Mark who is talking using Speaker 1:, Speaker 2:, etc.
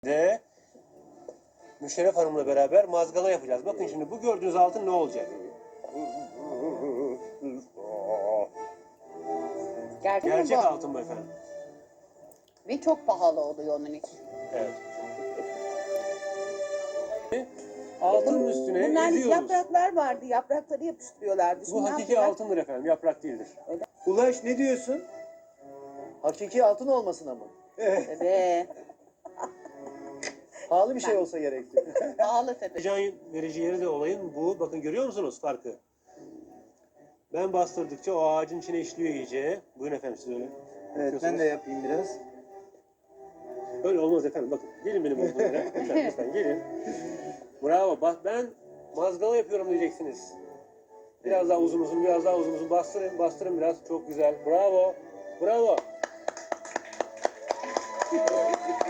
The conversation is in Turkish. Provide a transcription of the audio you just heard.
Speaker 1: De Müşerref Hanım'la beraber mazgala yapacağız. Bakın şimdi bu gördüğünüz altın ne olacak? Gerçek
Speaker 2: mi bu?
Speaker 1: altın bu efendim.
Speaker 2: Ve çok pahalı oluyor onun için.
Speaker 1: Evet. Altının üstüne
Speaker 3: Bunlar
Speaker 1: eziyoruz.
Speaker 3: yapraklar vardı. Yaprakları yapıştırıyorlardı. Şimdi
Speaker 1: Bu
Speaker 3: ne
Speaker 1: hakiki
Speaker 3: yapıyorlar?
Speaker 1: altındır efendim. Yaprak değildir.
Speaker 4: Ulaş ne diyorsun? Hakiki altın olmasına mı?
Speaker 3: Evet.
Speaker 4: Pahalı bir şey olsa gerekti.
Speaker 2: Pahalı tabii.
Speaker 1: Heyecan verici yeri de olayın bu. Bakın görüyor musunuz farkı? Ben bastırdıkça o ağacın içine işliyor iyice. Buyurun efendim siz öyle.
Speaker 4: Evet ben de yapayım biraz.
Speaker 1: Öyle olmaz efendim. Bakın gelin benim olduğum yere. Lütfen gelin. Bravo. Bak ben mazgala yapıyorum diyeceksiniz. Biraz daha uzun biraz daha uzun bastırın, bastırın biraz. Çok güzel. Bravo. Bravo.